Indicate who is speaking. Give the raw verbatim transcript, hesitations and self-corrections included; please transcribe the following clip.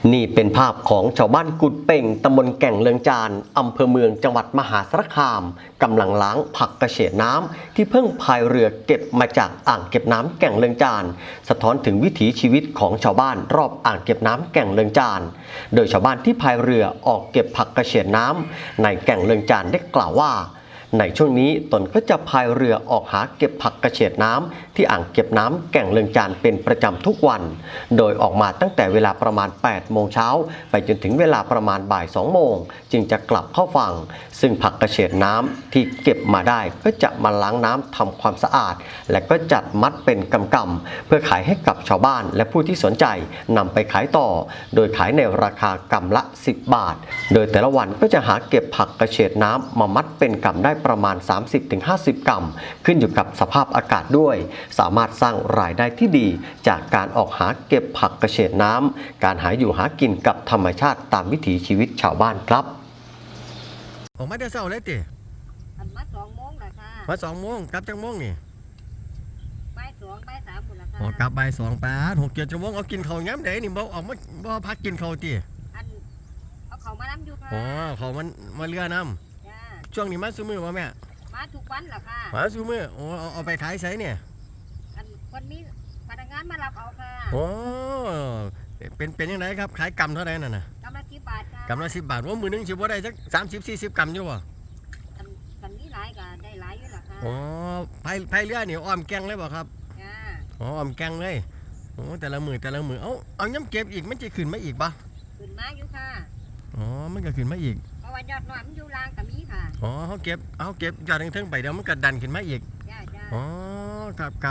Speaker 1: นี่เป็นภาพของชาวบ้านกุดเป่งตำบลแก่งเลืองจานอำเภอเมืองจังหวัดมหาสารคามกำลังล้างผักกระเฉดน้ำที่เพิ่งพายเรือเก็บมาจากอ่างเก็บน้ำแก่งเลืองจานสะท้อนถึงวิถีชีวิตของชาวบ้านรอบอ่างเก็บน้ำแก่งเลืองจานโดยชาวบ้านที่พายเรือออกเก็บผักกระเฉดน้ำในแก่งเลืองจานได้กล่าวว่าในช่วงนี้ตนก็จะพายเรือออกหาเก็บผักกระเฉดน้ำที่อ่างเก็บน้ำแก่งเลืองจานเป็นประจำทุกวันโดยออกมาตั้งแต่เวลาประมาณแปดโมงเช้าไปจนถึงเวลาประมาณบ่ายสองโมงจึงจะกลับเข้าฝั่งซึ่งผักกระเฉดน้ำที่เก็บมาได้ก็จะมาล้างน้ำทำความสะอาดและก็จัดมัดเป็นกำกำเพื่อขายให้กับชาวบ้านและผู้ที่สนใจนำไปขายต่อโดยขายในราคากำละสิบบาทโดยแต่ละวันก็จะหาเก็บผักกระเฉดน้ำมามัดเป็นกำได้ประมาณ สามสิบถึงห้าสิบ กรัมขึ้นอยู่กับสภาพอากาศด้วยสามารถสร้างรายได้ที่ดีจากการออกหาเก็บผักกระเฉดน้ำการหาอยู่หากินกับธรรมชาติตามวิถีชีวิตชาวบ้านครับ
Speaker 2: ออกมาแต่เช้าเลยติ
Speaker 3: อันมาสองโมงแหละค่ะ
Speaker 2: มาสองโมงกลับจังโมงนี่
Speaker 3: บ่ายสองบ่ายสามหมดละค่ะ
Speaker 2: ออกกลับบ่ายสองแปดหกเจ็ดชั่วโมงเอากินข้าวย้ำไหนนี่บ่ออกมาบ่พักกินข้าวติ
Speaker 3: อันเอาเขามาน้ำอยู่ค่ะ
Speaker 2: อ๋อเขามันมาเรือน้
Speaker 3: จ้า
Speaker 2: ำช่วงนี้มาซื้อมือวะแม่
Speaker 3: มาทุกวันแหละค่ะ
Speaker 2: มาซื้อมือโอ้เอาเอาไปขายไสเนี่ย
Speaker 3: อันคนนี้พนักงานมารับเอาค่ะ
Speaker 2: โอ้เป็นเป็นยังไงครับขายกำเท่าไหร่นั่นน่ะ
Speaker 3: กำลังกี่บาทค่ะ
Speaker 2: กำละสิบบาทว่ามือนึงสิบ่ได้สักสามสิบสี่สิบกำอยู่บ่
Speaker 3: อันกันนี้หลายก็ได้หลายอยู่แหละค่ะ
Speaker 2: อ๋อพายพายเรือนี่อ้อมแกงเลยบ่ครับ
Speaker 3: จ้า
Speaker 2: อ๋ออ้อมแกงเลยโอ้แต่ละมือแต่ละมือเอาเอาย้ำเก็บอีกมันจะขึ้นมาอีกปะ
Speaker 3: ขึ้นมาอยู่ค่ะ
Speaker 2: อ๋อมันก็ขึ้นมาอีก
Speaker 3: เพราะว่ายอดน้อยมันอยู่ล่างกับมีค่ะ
Speaker 2: อ๋อเขาเก็บเขาเก็บยอดทั้งๆไปเดี๋ยวมันก็ดันขึ้นมาอีก
Speaker 3: จ้าจ้า
Speaker 2: อ๋อครับครับ